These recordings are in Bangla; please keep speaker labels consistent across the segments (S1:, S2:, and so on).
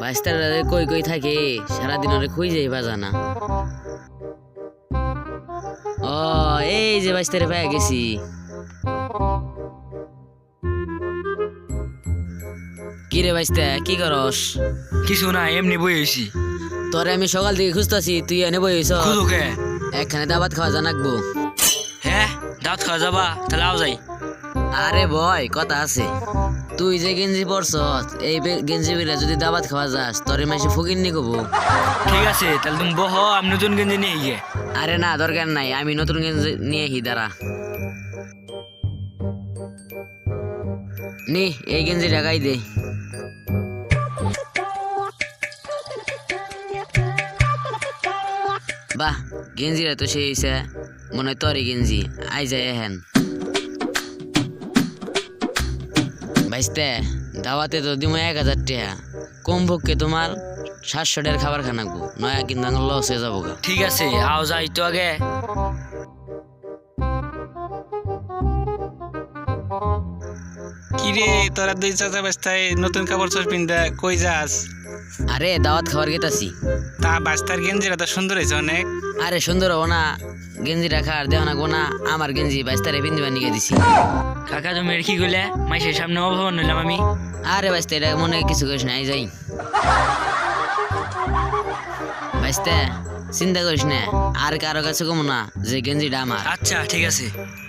S1: বাইস্তারা কই কই থাকে সারাদিন ওরে খুঁজেই বাজা না। ও এই যে বাইস্তারে পেয়ে গেছি। কি রে বাইস্তা কি করস?
S2: কিছু না, এমনি বই হয়েছি।
S1: তোরে আমি সকাল থেকে খুঁজতেছি, তুই এনে বই হইছ।
S2: খুদুকে
S1: একখানে দাবাত খাওয়া জানাকবো।
S2: হ্যাঁ, দাঁত খাওয়া যাবা, তাহলে আও যাই।
S1: আরে ভয় কথা আছে। তুই যে গেঞ্জি পরছ এই গেঞ্জি বিরা যদি দাবাত খাওয়া যাস তোরে মাসে ফকির নি কবো।
S2: ঠিক আছে, তাহলে তুমি বহ, আমি নতুন গেঞ্জি নিয়ে গিয়ে।
S1: আরে না দরকার নাই, আমি নতুন গেঞ্জি নিয়ে হি দাঁড়া। নি এই গেঞ্জি ঢাকাই দে। বাহ গেঞ্জিরা তো সেই হইছে, মনে হয় তোরই গেঞ্জি। আই যায় হেন ভাইস্তে, দাওয়াতে তো দিমো 1000 টাকা, কম পক্ষে তোমার 700 টাকার খাবার খানাকবো, নয়া কিন্তু লস হয়ে যাবো গা।
S2: ঠিক আছে, আও যাই তো আগে।
S3: কিরে তোরা দুই চাচা বাস্তায় নতুন কাপড় চোর পিন্ধা কই যাস?
S1: আরে দাওয়াত খাবার গেতাছি।
S3: তা বাস্তার গেঞ্জিটা তো সুন্দর হয়েছে অনেক।
S1: আরে সুন্দর হবো না, গেঞ্জি রাখার দেহ না গোনা, আমার গেঞ্জি বাইস্তারে পিন্দিবা নিয়ে দিছি।
S2: কাকা তুমি এর কি কইলে? মাইসের সামনে অভাবন নিলাম আমি।
S1: আরে বাইস্তা এটা মনে কিছু করিস না, আই যাই। বাইস্তা চিন্তা করিস না, আর কারো কাছে কম না যে গেঞ্জিটা আমার।
S2: আচ্ছা ঠিক আছে।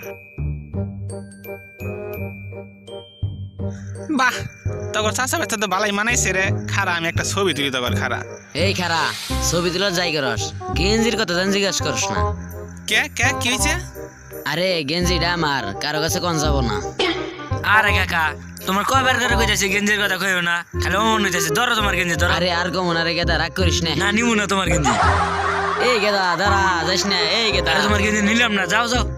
S3: বাহ, তখন চাচা বাস্তা তো ভালোই মানাইছে রে। খারা আমি একটা ছবি তুলি তখন খারা।
S1: এই খারা ছবি তুলো যাই করস, গেঞ্জির কথা জান জিজ্ঞাসা করস না।
S3: কে কে কি হয়েছে?
S1: আরে গেঞ্জিটা আমার, কারো কাছে কোন যাব না।
S2: আরে কাকা, তোমার কয়বার করে কইতাছি গেঞ্জির কথা কইও না, খালি অমন হইতাছে। ধরো তোমার গেঞ্জি, ধরো।
S1: আরে আর কমন, আরে গেদা রাগ করিস না।
S2: না নিমু না তোমার গেঞ্জি।
S1: এই গেদা দাঁড়া যাস না, এই গেদা।
S2: আরে তোমার গেঞ্জি নিলাম না, যাও যাও।